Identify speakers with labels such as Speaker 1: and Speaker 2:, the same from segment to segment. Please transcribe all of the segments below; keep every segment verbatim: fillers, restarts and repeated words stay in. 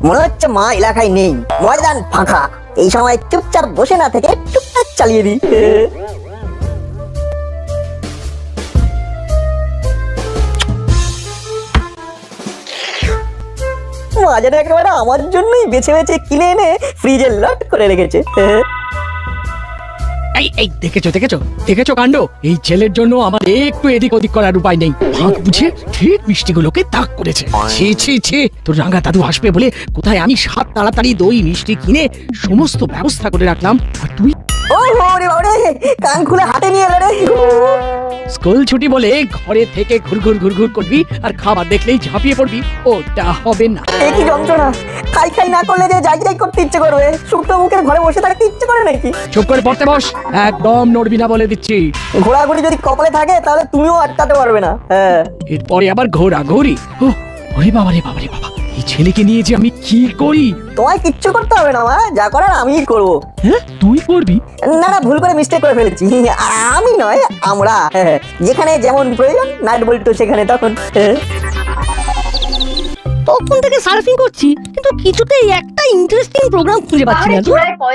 Speaker 1: মনে হচ্ছে মা এলাকায় নেই, ময়দান ফাঁকা। এই সময় চুপচাপ বসে না থেকে টুকটাক চালিয়ে দিই। মা যেন একেবারে আমার জন্যই বেছে বেছে কিনে এনে ফ্রিজে লট করে রেখেছে।
Speaker 2: এই এই দেখেছো দেখেছো দেখেছো কাণ্ড। এই ছেলের জন্য আমার একটু এদিক ওদিক করার উপায় নেই। ভাগ বুঝে ঠিক মিষ্টিগুলোকে তাক করেছে। ছি ছি ছি, তোর রাঙা দাদু আসবে বলে কোথায় আমি সাত তাড়াতাড়ি দই মিষ্টি কিনে সমস্ত ব্যবস্থা করে রাখলাম, আর তুই
Speaker 1: ও রে বাবারে, কান খুলে হাতে নিয়ে এলো রে।
Speaker 2: স্কুল ছুটি বলে ঘরে থেকে ঘুরঘুর ঘুরঘুর করবি আর খাবার দেখলেই ঝাঁপিয়ে পড়বি, ওটা হবে না।
Speaker 1: এ কি যন্ত্রণা! খাই খাই না করলে যে যাই যাই করতে ইচ্ছে করবে, শুকনো মুখের ঘরে বসে থাকতে ইচ্ছে করে নাকি?
Speaker 2: চুপ করে পড়তে বস, একদম নড়বি না বলে দিচ্ছি।
Speaker 1: ঘোরাঘুরি যদি কপালে থাকে তাহলে তুমিও আটকাতে পারবে না। হ্যাঁ,
Speaker 2: এরপরে আবার ঘোরাঘুরি। ও ওরে বাবা রে বাবা রে বাবা, এই ছেলেকে নিয়ে যে আমি কি করি।
Speaker 1: তোমায় কিচ্ছু করতে হবে না মা, যা করার আমিই করবো।
Speaker 2: হ্যাঁ তুই করবি?
Speaker 1: না না, ভুল করে মিস্টেক করে ফেলেছি। আমি নয়, আমরা। হ্যাঁ, যেখানে যেমন প্রয়োজন নাট বল্টু সেখানে তখন। হ্যাঁ।
Speaker 3: তখন থেকে সার্ফিং করছি, কিন্তু কিছুতেই একটা ইন্টারেস্টিং প্রোগ্রাম খুঁজে পাচ্ছি না।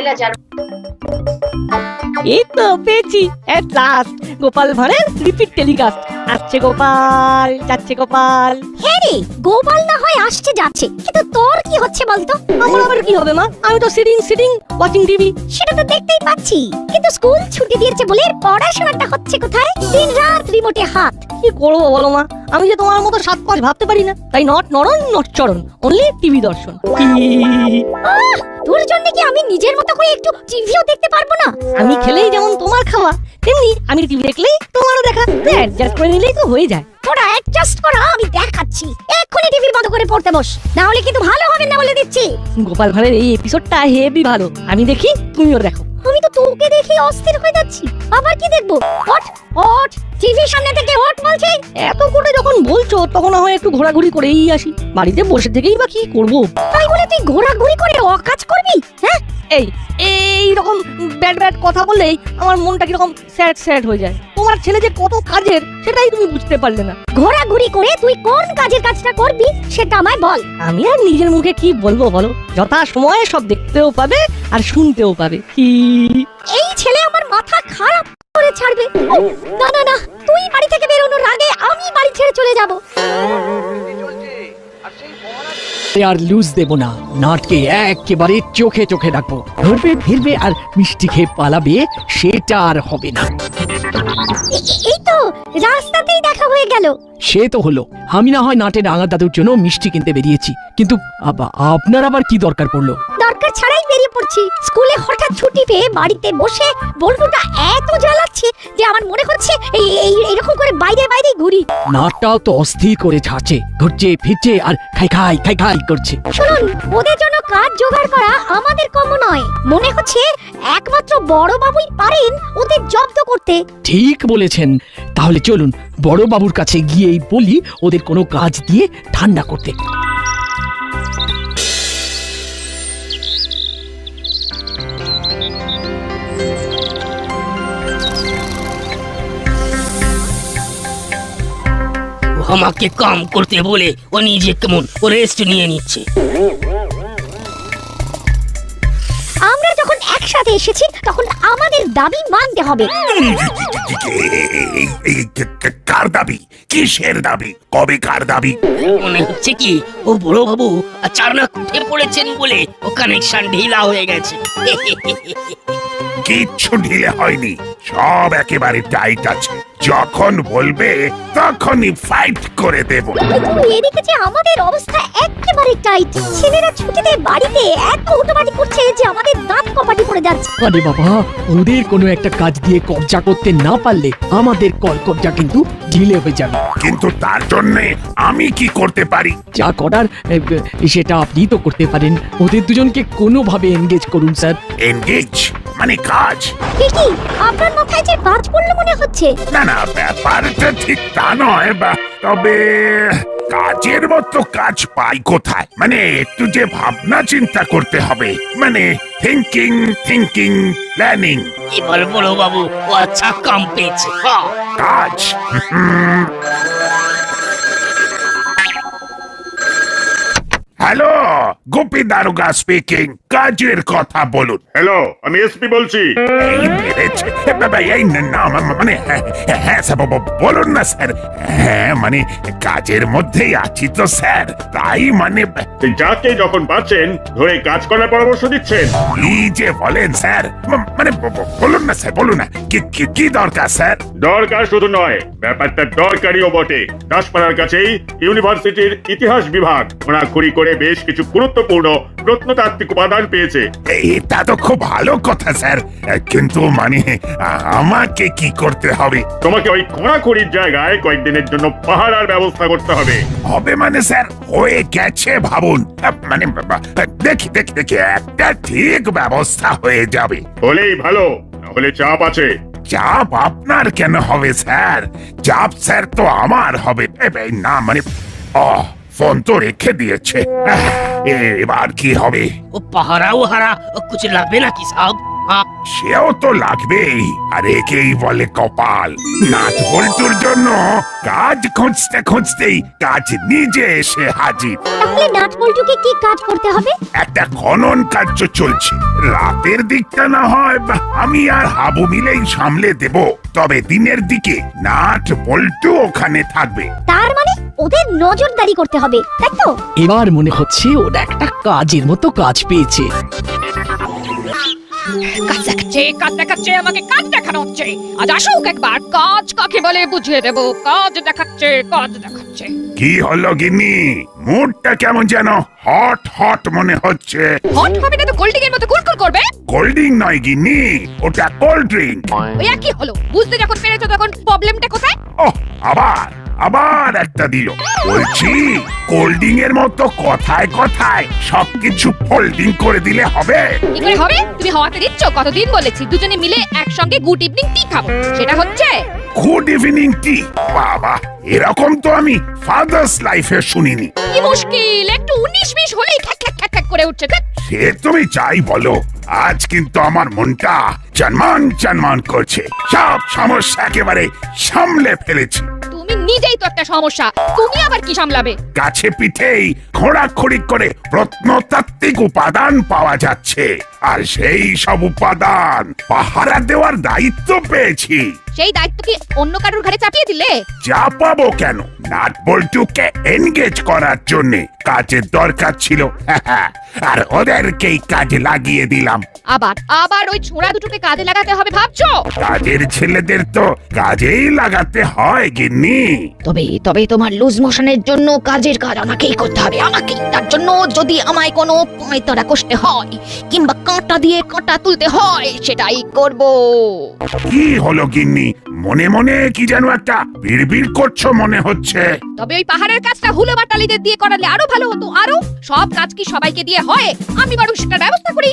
Speaker 3: এই তো পেয়েছি, এট লাস্ট গোপাল ভাঁড়ের রিপিট টেলিকাস্ট। আসছে গোপাল, যাচ্ছে গোপাল।
Speaker 4: হ্যাঁ রে, গোপাল না হয় আসছে যাচ্ছে, কিন্তু তোর কি হচ্ছে বলতো?
Speaker 3: আমার আবার কি হবে মা, আমি তো সিটিং সিটিং ওয়াচিং টিভি।
Speaker 4: সেটা তো দেখতেই পাচ্ছি, কিন্তু স্কুল ছুটি দিয়েছে বলে পড়াশোনাটা হচ্ছে কোথায়? দিন রাত রিমোটে হাত।
Speaker 3: কি করবো বলো মা, আমি যে তোমার মতো সাত পাঁচ ভাবতে পারি না, তাই নট নরন নট চরণ, অনলি টিভি দর্শন।
Speaker 4: আহ, তোর জন্য কি আমি নিজের মতো করে একটু টিভিও দেখতে পারবো না?
Speaker 3: আমি খেলেই যেমন তোমার খাওয়া, তেমনি আমি টিভি দেখলেই তোমারও দেখা। অ্যাডজাস্ট করে নিলেই তো হয়ে যায়।
Speaker 4: তোরা অ্যাডজাস্ট করা আমি দেখাচ্ছি। এক্ষুনি টিভি বন্ধ করে পড়তে বস, না হলে কিন্তু ভালো হবে না বলে দিচ্ছি।
Speaker 3: গোপাল ভাঁড়ের এই এপিসোডটা হেভি ভালো, আমি দেখি তুমিও দেখো।
Speaker 4: আমি তো তোকে দেখে অস্থির হয়ে যাচ্ছি, আবার কি দেখবো? ওঠ ওঠ, টিভির সামনে থেকে ওঠ বলছি।
Speaker 3: এত করে যখন বলছো তখন হয় একটু ঘোরাঘুরি করেই আসি, বাড়িতে বসে থেকেই বা কি করবো।
Speaker 4: তাই বলে তুই ঘোরাঘুরি করে অকাজ করবি? হ্যাঁ,
Speaker 3: এই এই রকম ব্যাড ব্যাড কথা বললেই আমার মনটা কিরকম স্যাড স্যাড হয়ে যায়। তোমার ছেলে যে কত কাজের সেটাই তুমি বুঝতে পারলে না।
Speaker 4: ঘোরাঘুরি করে তুই কোন কাজের কাজটা করবি সেটা আমায় বল।
Speaker 3: আমি আর নিজের মুখে কি বলবো বলো, যথা সময়ে সব দেখতেও পাবে আর শুনতেও পাবে। কি
Speaker 4: এই ছেলে আমার মাথা খারাপ করে ছাড়বে। উফ, না না না, তুই বাড়ি থেকে বেরোনোর আগে আমি বাড়ি ছেড়ে চলে যাব।
Speaker 2: আর লুজ দেব না, নাটকে একেবারে চোখে চোখে রাখবো। ধরবে ফিরবে আর মিষ্টি খেয়ে পালাবে, সেটা আর হবে না।
Speaker 4: এ- এই তো রাস্তাতেই দেখা হয়ে গেল।
Speaker 2: সে তো হলো, আমি না হয় নাটের রাঙা দাদুর জন্য মিষ্টি কিনতে বেরিয়েছি, কিন্তু আবা- আপনার আবার কি দরকার পড়লো?
Speaker 4: দরকার ছাড়াই বেরিয়ে পড়ছি। স্কুলে হঠাৎ ছুটি পেয়ে বাড়িতে বসে বল্টুটা এত জ্বালাচ্ছে যে আমার মনে হচ্ছে এই এই- এরকম করে বাইরে বাইরে ঘুরি।
Speaker 2: নাটটাও তো অস্থির করে ছাড়ছে, ঘুরছে ফিরছে আর খাই খাই খাই খাই করছে।
Speaker 4: শুনুন, ওদের জন্য কাজ জোগাড় করা আমাদের কম নয়। মনে হচ্ছে একমাত্র বড় বাবুই পারেন ওদের জব্দ করতে।
Speaker 2: ঠিক বলেছেন, তাহলে চলুন বড় বাবুর কাছে গিয়েই বলি ওদের কোনো কাজ দিয়ে ঠান্ডা করতে।
Speaker 5: আমাকে কাম করতে বলে ও নিজে কেমন ও রেস্ট নিয়ে নিচ্ছে।
Speaker 4: আমরা যখন একসাথে এসেছি তখন আমাদের দাবি মানতে হবে।
Speaker 6: কার দাবি? কিসের দাবি? কবে কার দাবি?
Speaker 5: মনে হচ্ছে কি ও বড় বাবু চারনাক উঠে পড়েছেন বলে ও কানেকশন ঢিলা হয়ে গেছে।
Speaker 6: কিচ্ছু ঢিলে হয়নি, সব একেবারে টাইট আছে। যখন বলবে তখনই ফাইট করে দেব।
Speaker 4: কিন্তু এদিকে যে আমাদের অবস্থা একেবারে টাইট। ছেলেরা ছুটিতে বাড়িতে এত উটোপাটি করছে যে আমাদের দাঁত কপাটি পড়ে যাচ্ছে।
Speaker 2: আরে বাবা, ওদের কোনো একটা কাজ দিয়ে কবজা করতে না পারলে আমাদের কল কবজা কিন্তু ঢিলে হয়ে যাবে।
Speaker 6: কিন্তু তার জন্য আমি কি করতে পারি?
Speaker 2: যা করার এ, সেটা আপনি তো করতে পারেন। ওদের দুজনকে কোনোভাবে এনগেজ করুন স্যার।
Speaker 6: এনগেজ মানে কাজ?
Speaker 4: কি কি আপনার মাথায় যে বাজ পড়লো মনে হচ্ছে?
Speaker 6: না না, ব্যাপারটা ঠিক তা নয়, বা তবে কাজের মতো কাজ পাই কোথায়? মানে একটু যে ভাবনা চিন্তা করতে হবে, মানে থিঙ্কিং থিঙ্কিং প্ল্যানিং।
Speaker 5: এবার বড় বাবু ও আচ্ছা কাম পেয়েছে। হ্যাঁ,
Speaker 6: কাজ হ্যালো গোপী দারোগা স্পিকিং, কাজের কথা বলুন।
Speaker 7: হ্যালো, আমি এসপি বলছি।
Speaker 6: এই বেড়েছে বাবা, এই না মানে হ্যাঁ, হ্যাঁ স্যার ব- ব- বলুন না স্যার। হ্যাঁ মানে কাজের মধ্যেই আছি তো স্যার, তাই মানে
Speaker 7: সেই যাকে যখন পাচ্ছেন ধরে কাজ করার পরামর্শ দিচ্ছেন।
Speaker 6: কি যে বলেন স্যার, ম- মানে ব- ব- বলুন না স্যার, বলুন না কি কি- কি দরকার স্যার?
Speaker 7: দরকার শুধু নয়, ব্যাপারটা দরকারিও বটে। দাসপাড়ার কাছেই ইউনিভার্সিটির ইতিহাস বিভাগ খোঁড়াখুড়ি করে বেশ কিছু গুরুত্বপূর্ণ প্রত্নতাত্ত্বিক উপাদান পেয়েছে।
Speaker 6: এটা তো খুব ভালো কথা স্যার, কিন্তু মানে আ- আমাকে কি করতে হবে?
Speaker 7: তোমাকে ওই খোঁড়াখুড়ির জায়গায় কয়েকদিনের জন্য পাহারার ব্যবস্থা করতে হবে।
Speaker 6: হবে মানে স্যার হয়ে গেছে ভাবুন। আ, মানে বাবা, দেখি দেখি দেখি একটা ঠিক ব্যবস্থা হয়ে যাবে।
Speaker 7: হলেই ভালো, না হলে চাপ আছে।
Speaker 6: চাপ আপনার কেন হবে স্যার? চাপ স্যার তো আমার হবে। এ, এ, না মানে ও ফোন তো রেখে দিয়েছে। আহ, এবার কি হবে?
Speaker 5: ও পাহারাও হারা কুছ লাগবে নাকি সাহেব? হ্যাঁ,
Speaker 6: সেও তো লাগবেই, আর একেই বলে কপাল। নাচ বল্টুর জন্য কাজ খুঁজতে খুঁজতেই কাজ নিজে এসে হাজির।
Speaker 4: তাহলে নাট বল্টুকে কি কাজ করতে হবে?
Speaker 6: একটা খনন কার্য চলছে। রাতের দিকটা না হয় বা আমি আর হাবু মিলেই সামলে দেব, তবে দিনের দিকে নাট বল্টু ওখানে থাকবে।
Speaker 4: তার মানে ওদের নজরদারি করতে হবে, তাই তো?
Speaker 2: এবার মনে হচ্ছে ওরা একটা কাজের মতো কাজ পেয়েছে।
Speaker 8: কাজ দেখাচ্ছে কাজ দেখাচ্ছে আমাকে কাজ দেখানো হচ্ছে। আজ আসুক একবার, কাজ কাকে বলে বুঝিয়ে দেবো। কাজ দেখাচ্ছে কাজ দেখাচ্ছে।
Speaker 6: কি হলো গিন্নি, মুডটা কেমন যেন হট হট মনে হচ্ছে?
Speaker 8: হট হবে না তো কোল্ডিং এর মতো কুলকুল করবে।
Speaker 6: কোল্ড ড্রিঙ্ক নয় গিন্নি, ওটা কোল্ড ড্রিঙ্ক।
Speaker 8: ওই একই হলো, বুঝতে যখন পেরেছো তখন প্রবলেমটা কোথায়?
Speaker 6: ওহ, আবার আবার একটা দিল। বলছি কোল্ড ড্রিঙ্ক এর মতো কথায় কথায় সবকিছু ফোল্ডিং করে দিলে হবে?
Speaker 8: কি করে হবে? তুমি হওয়াতে দিচ্ছ। কতদিন বলেছি দুজনে মিলে একসঙ্গে গুড ইভিনিং টি খাবো, সেটা হচ্ছে?
Speaker 6: Good evening tea? বাবা, এরকম তো আমি ফাদার্স লাইফে শুনিনি।
Speaker 8: কি মুশকিল, একটু উনিশ বিশ হলেই খ্যাক খ্যাক খ্যাক খ্যাক করে উঠছে। ধ্যাৎ।
Speaker 6: সে তুমি চাই বলো, আজ কিন্তু আমার মনটা চনমান চনমান করছে। সব সমস্যা একেবারে সামলে ফেলেছি।
Speaker 8: তুমি নিজেই তো একটা সমস্যা, তুমি আবার কি সামলাবে?
Speaker 6: কাছে পিঠেই খোঁড়াখড়ি করে প্রত্নতাত্ত্বিক উপাদান পাওয়া যাচ্ছে, আর সেই সব উপাদান পাহারা দেওয়ার দায়িত্ব পেয়েছি।
Speaker 8: সেই দায়িত্ব কি অন্য কারোর ঘাড়ে চাপিয়ে দিলে?
Speaker 6: যা পাবো কেন, নাট বল্টুকে এনগেজ করার জন্য কাজের দরকার ছিল, আর ওদেরকেই কাজে লাগিয়ে দিলাম।
Speaker 8: আবার আবার ওই ছোঁড়া দুটোকে কাজে লাগাতে হবে ভাবছো?
Speaker 6: কাজের ছেলেদের তো কাজেই লাগাতে হয় গিন্নি।
Speaker 8: তবে তবে তোমার লুজ মোশনের জন্য কাজের কাজ আমাকেই করতে হবে, আমাকেই। তার জন্য যদি আমায় কোনো পয়তারা কষতে হয় কিংবা কাঁটা দিয়ে কাঁটা তুলতে হয়, সেটাই করব।
Speaker 6: কি হলো গিন্নি, মনে মনে কি যেন একটা বিড়বিড় করছো মনে হচ্ছে।
Speaker 8: তবে ওই পাহাড়ের কাজটা হুলো বাটালিদের দিয়ে করালে আরো ভালো হতো। আরো সব কাজ কি সবাইকে দিয়ে হয়? আমি বরং সেটার ব্যবস্থা করি।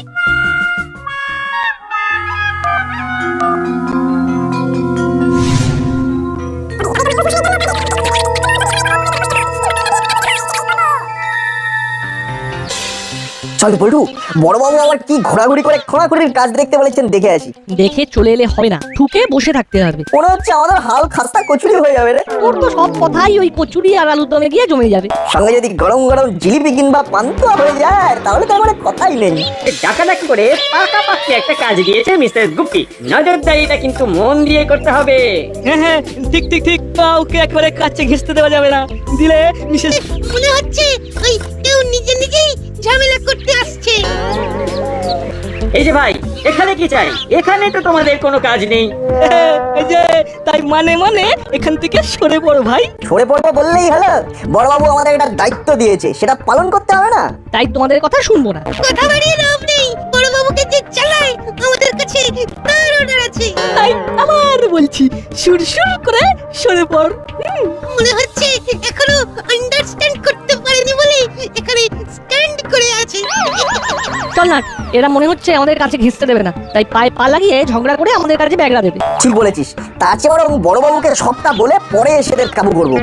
Speaker 1: চল বল্টু, বড়বাবু আবার কি ঘোরাঘুরি করে খোঁড়াখুড়ির কাজ দেখতে বলেছেন, দেখে আসি।
Speaker 3: দেখে চলে এলে হবে না, ঠুকে বসে থাকতে হবে।
Speaker 1: মনে হচ্ছে আমাদের হাল খাস্তা কচুরি হয়ে যাবে রে।
Speaker 3: তোর তো সব কথাই ওই কচুরি আর আলুর দমে গিয়ে জমে যাবে।
Speaker 1: সঙ্গে যদি গরম গরম জিলিপি কিংবা পান্তুয়া হয়ে যায় তাহলে তো আমার কথাই নেই।
Speaker 9: ডাকাডাকি করে পাকাপাকি একটা কাজ দিয়েছে মিস্টার গুপ্তি। নজরদারিটা কিন্তু মন দিয়ে করতে হবে।
Speaker 3: হ্যাঁ হ্যাঁ, ঠিক ঠিক ঠিক। কাউকে একবারে কাছে ঘেঁষতে দেওয়া যাবে না, দিলে বিশেষ
Speaker 4: মনে হচ্ছে ওই কেউ নিজে নিজেই ঝামেলা করতে আসছে।
Speaker 9: এই যে ভাই, এখানে কি চাই? এখানে তো তোমাদের কোনো কাজ নেই।
Speaker 3: এই যে তাই মানে মানে এখান থেকে সরে পড়ো ভাই।
Speaker 1: সরে পড়বো বললেই হলো? বড়বাবু আমাদের একটা দায়িত্ব দিয়েছে, সেটা পালন করতে হবে না?
Speaker 3: তাই তোমাদের কথা শুনবো না।
Speaker 4: কথা বাড়িয়ে লাভ নেই, বড় বাবুকে যে চালায় আমাদের কাছে তার অর্ডার আছে।
Speaker 3: তাই আবার বলছি, সুরসুর করে সরে পড়। হুম,
Speaker 4: মনে হচ্ছে এখনো আন্ডারস্ট্যান্ড করতে পারেনি বলে এখানে স্ট্যান্ড করে আছে।
Speaker 3: চল না, এরা মনে হচ্ছে আমাদের কাছে ঘেঁষতে দেবে না, তাই পায়ে পা লাগিয়ে ঝগড়া করে আমাদের কাছে ব্যাগরা দেবে।
Speaker 1: ঠিক বলেছিস, তার চেয়ে বরং বড়বাবুকে সবটা বলে পরে এসে কাবু করবো।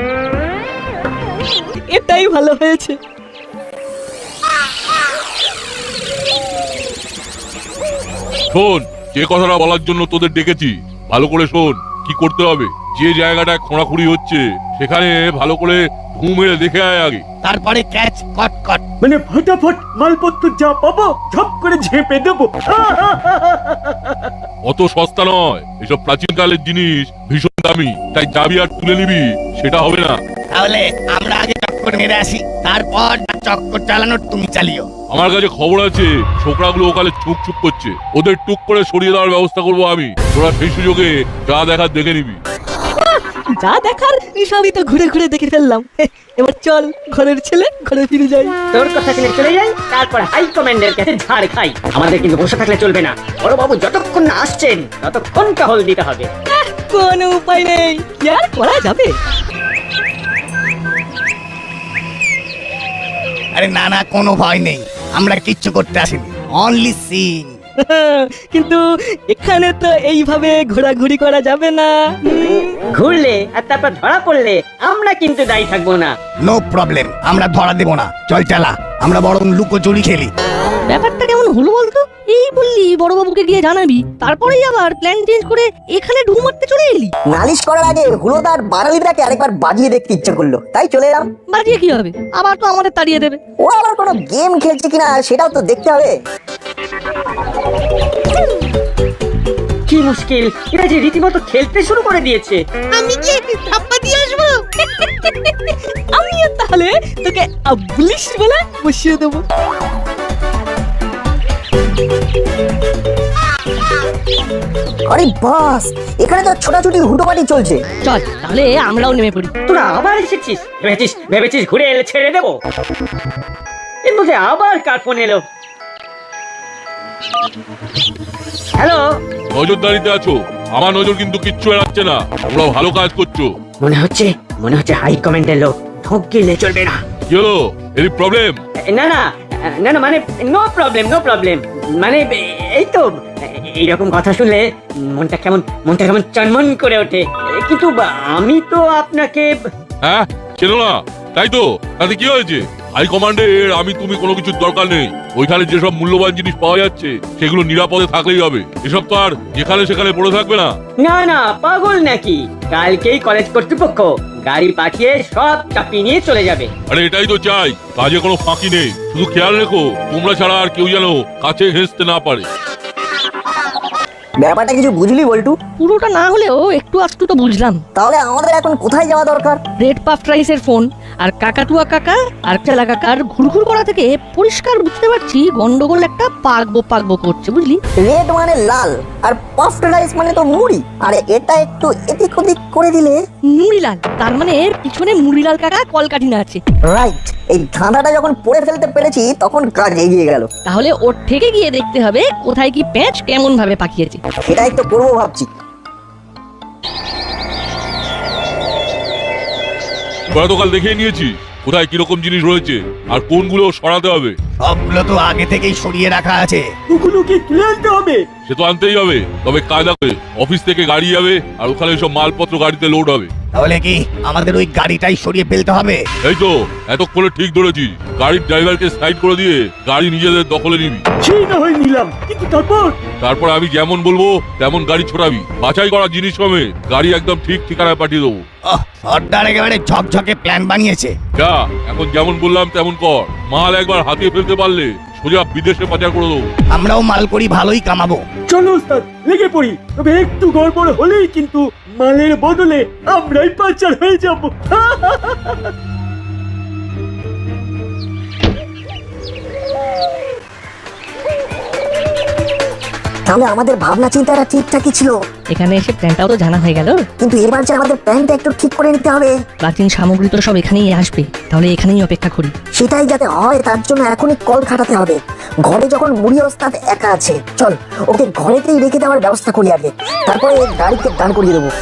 Speaker 3: এটাই ভালো হয়েছে।
Speaker 10: শোন, যে কথাটা বলার জন্য তোদের ডেকেছি ভালো করে শোন। কি করতে হবে, যে জায়গাটায় খোঁড়াখুড়ি হচ্ছে সেখানে ভালো করে ঘুম মেরে দেখে আয় আগে।
Speaker 5: তারপরে ক্যাচ কট কট।
Speaker 9: মানে ফটাফট মালপত্র যা পাবো ঝপ করে ঝেপে দেবো।
Speaker 10: অত সস্তা নয়, এসব প্রাচীনকালের জিনিস ভীষণ দামি, তাই যাবি আর তুলে নিবি সেটা হবে না।
Speaker 5: তাহলে আমরা আগে চক্কর মেরে আসি, তারপর চক্কর চালানোর তুমি চালিও।
Speaker 10: আমার কাছে খবর আছে ছোকরাগুলো ওখানে চুপ চুপ করছে, ওদের টুক করে সরিয়ে দেওয়ার ব্যবস্থা করবো আমি। তোরা সেই সুযোগে যা দেখার দেখে নিবি।
Speaker 3: যা দেখার সবই তো ঘুরে ঘুরে দেখে ফেললাম। এবার চল, ঘরের ছেলে ঘরে ফিরে যাই।
Speaker 9: তোর কথা শুনে চলে যাই, তারপর হাই কমান্ডের কাছে ঝাড় খাই। আমাদের কিন্তু বসে থাকলে চলবে না, বড় বাবু যতক্ষণ না আসছেন ততক্ষণ টহল দিতে হবে।
Speaker 3: কোনো উপায় নেই, কি আর করা যাবে।
Speaker 5: আরে না না, কোনো ভয় নেই, আমরা কিচ্ছু করতে আসিনি, অনলি সিন।
Speaker 3: কিন্তু এখানে তো এইভাবে ঘোরাঘুরি করা যাবে না।
Speaker 9: ঘুরলে আর তারপর ধরা পড়লে আমরা কিন্তু দায়ী থাকবো না।
Speaker 5: নো প্রবলেম, আমরা ধরা দেব না। চল চালা, আমরা বরং লুকোচুরি খেলি।
Speaker 3: ব্যাপারটা কেমন হলো বলতো? এই বললি বড়বাবুকে গিয়ে জানাবি, তারপরেই আবার প্ল্যান চেঞ্জ করে এখানে ঢু মারতে চলে এলি।
Speaker 1: নালিশ করার আগে হুলোদার বাঙালিটাকে আরেকবার বাজিয়ে দেখতে ইচ্ছে করলো, তাই চলে এলাম।
Speaker 3: বাজিয়ে কি হবে, আবার তো আমাদের তাড়িয়ে দেবে।
Speaker 1: ও আবার কোনো গেম খেলছে কিনা সেটাও তো দেখতে হবে।
Speaker 9: কি মুশকিল, এরা যে রীতিমতো খেলতে শুরু করে দিয়েছে।
Speaker 3: আমি কি ধাপ্পা দিয়ে আসবো? আমিও তাহলে তোকে আবলিশ বলে বসিয়ে দেবো।
Speaker 1: আরে বাস, এখানে তো ছোটাছুটি হুটোপাটি চলছে।
Speaker 3: চল তাহলে আমরাও নেমে পড়ি।
Speaker 9: তোরা আবার এসেছিস? ভেবেছিস ভেবেছিস ঘুরে এলে ছেড়ে দেবো? এর মধ্যে আবার কার ফোন এলো? হ্যালো,
Speaker 10: নজরদারিতে আছো, আমার নজর কিন্তু কিচ্ছু এড়াচ্ছে না, তোমরা ভালো কাজ করছো।
Speaker 9: মনে হচ্ছে মনে হচ্ছে হাই কমান্ডের লোক, ঢোক গেলে চলবে না।
Speaker 10: কি হলো, এর প্রবলেম?
Speaker 9: না না না না মানে নো প্রবলেম নো প্রবলেম মানে এই তো এইরকম কথা শুনলে মনটা কেমন মনটা কেমন চনমন করে ওঠে। কিন্তু আমি তো আপনাকে
Speaker 10: হ্যাঁ চেনো না, তাই তো? তাতে কি হয়েছে? হাই কমান্ডের আমি তুমি কোনো কিছুর দরকার নেই। ওইখানে যেসব মূল্যবান জিনিস পাওয়া যাচ্ছে সেগুলো নিরাপদে থাকলেই হবে। এসব তো আর যেখানে সেখানে পড়ে থাকবে না।
Speaker 9: না না পাগল নাকি? কালকেই কলেজ কর্তৃপক্ষ গাড়ি পাঠিয়ে সব চাপিয়ে নিয়ে চলে যাবে।
Speaker 10: আরে এটাই তো চাই, কাজে কোনো ফাঁকি নেই। শুধু খেয়াল রেখো তোমরা ছাড়া আর কেউ যেন কাছে ঘেঁষতে না পারে।
Speaker 1: ব্যাপারটা কিছু বুঝলি বল্টু?
Speaker 3: পুরোটা না হলেও একটু আধটু তো বুঝলাম।
Speaker 1: তাহলে আমাদের এখন কোথায় যাওয়া দরকার?
Speaker 3: রেড পাফ রাইসের ফোন আর কাকাটুয়া কাকা আর চেলা কাকার ঘুরঘুর করা থেকে পরিষ্কার বুঝতে পারছি গন্ডগোল একটা পাকবো পাকবো করছে, বুঝলি?
Speaker 1: রেড মানে লাল আর পাফড রাইস মানে তো মুড়ি, আর এটা একটু এদিক ওদিক করে দিলে
Speaker 3: মুড়িলাল, তার মানে পিছনে মুড়িলাল কাকা কলকাঠিনা আছে।
Speaker 1: রাইট, এই ধাঁধাটা যখন পড়ে ফেলতে পেরেছি তখন কাজ এগিয়ে গেল।
Speaker 3: তাহলে ওর থেকে গিয়ে দেখতে হবে কোথায় কি প্যাঁচ কেমন ভাবে পাকিয়েছে।
Speaker 1: সেটাই তো করবো ভাবছি।
Speaker 10: ওরা তো কাল দেখিয়ে নিয়েছি কোথায় কিরকম জিনিস রয়েছে আর কোনগুলো সরাতে হবে।
Speaker 5: সবগুলো তো আগে থেকেই সরিয়ে রাখা আছে।
Speaker 9: ওগুলো কি তুলে আনতে হবে?
Speaker 10: সে তো আনতেই হবে, তবে কাজ হবে। অফিস থেকে গাড়ি যাবে আর ওখানে সব মালপত্র গাড়িতে লোড হবে।
Speaker 5: তাহলে কি আমাদের ওই গাড়িটাই সরিয়ে ফেলতে হবে?
Speaker 10: এই তো এতক্ষণে ঠিক ধরেছি, গাড়ির ড্রাইভারকে সাইড করে দিয়ে গাড়ি নিজেদের দখলে নিবি।
Speaker 9: সেই না হয় নিলাম, কিন্তু তারপর
Speaker 10: তারপর আমি যেমন বলবো তেমন গাড়ি ছোড়াবি। বাছাই করা জিনিস হবে, গাড়ি একদম ঠিক ঠিকানায় পাঠিয়ে দেবো।
Speaker 5: আহ, সর্দার একেবারে ঝকঝকে প্ল্যান বানিয়েছে।
Speaker 10: যা, এখন যেমন বললাম তেমন কর। মাল একবার হাতিয়ে ফেলতে পারলে সোজা বিদেশে পাচার করে দেবো।
Speaker 5: আমরাও মাল করি ভালোই কামাবো।
Speaker 9: চলো ওস্তাদ লেগে পড়ি, তবে একটু গড়বড় হলেই কিন্তু মালের বদলে আমরাই পাচার হয়ে যাব।
Speaker 1: তাহলে আমাদের ভাবনা চিন্তাটা ঠিকঠাকই ছিল।
Speaker 3: এখানে এসে প্ল্যানটাও তো জানা হয়ে গেল,
Speaker 1: কিন্তু এবার যে আমাদের প্ল্যানটা একটু ঠিক করে নিতে হবে।
Speaker 3: প্রাচীন সামগ্রী তো সব এখানেই আসবে, তাহলে এখানেই অপেক্ষা করি।
Speaker 1: সেটাই যাতে হয় তার জন্য এখনই কল খাটাতে হবে। ঘরে যখন মুড়ি ওস্তাদ একা আছে, চল ওকে ঘরেতেই রেখে দেওয়ার ব্যবস্থা করি আগে, তারপরে গাড়িকে দান করিয়ে দেবো।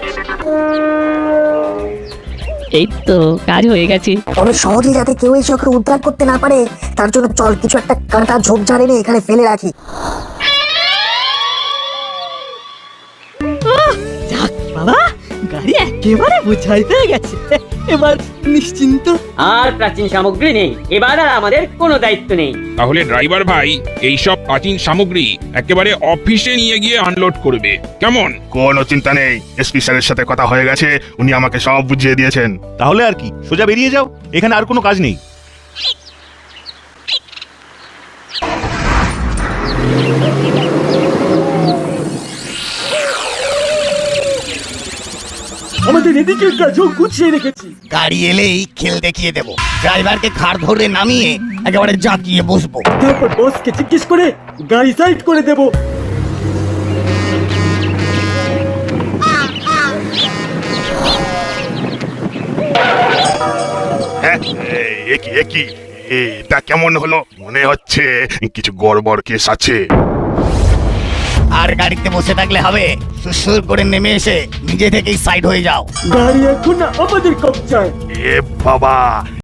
Speaker 3: এই তো কাজ হয়ে গেছে।
Speaker 1: তবে সহজে যাতে কেউ এসে ওকে উদ্ধার করতে না পারে তার জন্য চল কিছু একটা কাঁটা ঝোপঝাড় এনে এখানে ফেলে রাখি।
Speaker 3: যাক বাবা,
Speaker 11: গাড়ি একেবারে বোঝাই হয়ে গেছে, এবার নিশ্চিন্ত।
Speaker 9: আর প্রাচীন সামগ্রী নেই, এবার আর আমাদের কোনো দায়িত্ব নেই।
Speaker 12: তাহলে ড্রাইভার ভাই এইসব প্রাচীন সামগ্রী একেবারে অফিসে নিয়ে গিয়ে আনলোড করবে, কেমন?
Speaker 13: কোনো চিন্তা নেই, এসপি স্যারের সাথে কথা হয়ে গেছে, উনি আমাকে সব বুঝিয়ে দিয়েছেন।
Speaker 14: তাহলে আর কি, সোজা বেরিয়ে যাও, এখানে আর কোনো কাজ নেই।
Speaker 11: আমাদের এদিকের কাজও গুছিয়ে রেখেছি।
Speaker 5: গাড়ি এলেই খেল দেখিয়ে দেবো, ড্রাইভারকে ঘাড় ধরে নামিয়ে একেবারে জাঁকিয়ে বসবো।
Speaker 11: তারপর বসকে জিজ্ঞেস করে গাড়ি সাইড করে দেবো।
Speaker 13: হ্যাঁ, এ কি এ কি এটা কেমন হলো? মনে হচ্ছে কিছু গড়বড় কেস আছে।
Speaker 5: আর গাড়িতে বসে থাকলে হবে, সুসুর করে নেমে এসে নিজে থেকেই সাইড হয়ে যাও।
Speaker 11: গাড়ি এখন আমাদের কবজায়।
Speaker 13: এ বাবা,